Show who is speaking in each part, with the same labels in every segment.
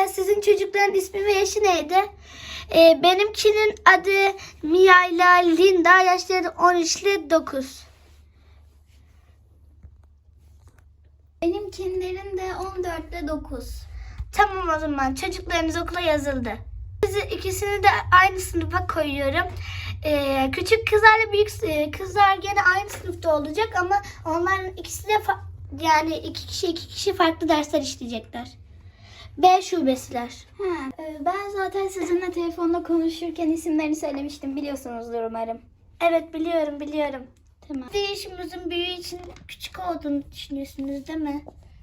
Speaker 1: Sizin çocukların ismi ve yaşı neydi? Benimkinin adı Mia ile Linda. Yaşları 13 ile 9.
Speaker 2: Benimkilerin de 14 ile 9.
Speaker 1: Tamam, o zaman çocuklarınız okula yazıldı. Sizi ikisini de aynı sınıfa koyuyorum. Küçük kızlarla büyük kızlar gene aynı sınıfta olacak ama onların ikisi de yani iki kişi farklı dersler işleyecekler. B şubesiler.
Speaker 2: Ben zaten sizinle telefonda konuşurken isimlerini söylemiştim. Biliyorsunuzdur umarım.
Speaker 1: Evet, biliyorum.
Speaker 2: Tamam.
Speaker 1: Bir yaşımızın büyüğü için küçük olduğunu düşünüyorsunuz değil mi?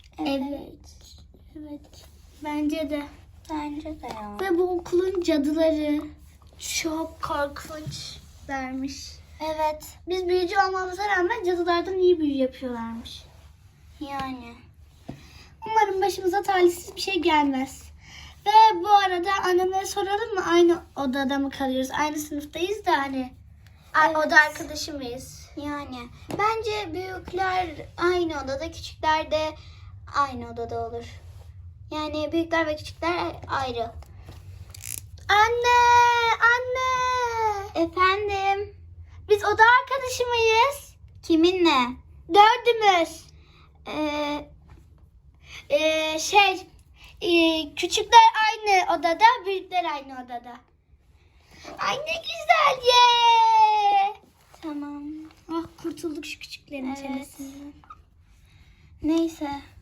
Speaker 1: Evet. Bence de.
Speaker 2: Bence de ya.
Speaker 1: Ve bu okulun cadıları çok korkunçlarmış.
Speaker 2: Evet.
Speaker 1: Biz büyücü olmamıza rağmen cadılardan iyi büyü yapıyorlarmış.
Speaker 2: Yani.
Speaker 1: Umarım başımıza talihsiz bir şey gelmez. Ve bu arada anneme soralım mı? Aynı odada mı kalıyoruz? Aynı sınıftayız da hani.
Speaker 2: Evet.
Speaker 1: Oda arkadaşı mıyız?
Speaker 2: Yani. Bence büyükler aynı odada, küçükler de aynı odada olur. Yani büyükler ve küçükler ayrı.
Speaker 1: Anne!
Speaker 2: Efendim?
Speaker 1: Biz oda arkadaşı mıyız?
Speaker 2: Kiminle?
Speaker 1: Dördümüz. Küçükler aynı odada, büyükler aynı odada. Ay ne güzel ye.
Speaker 2: Tamam.
Speaker 1: Ah, kurtulduk şu küçüklerin
Speaker 2: Evet.
Speaker 1: çenesinden.
Speaker 2: Neyse.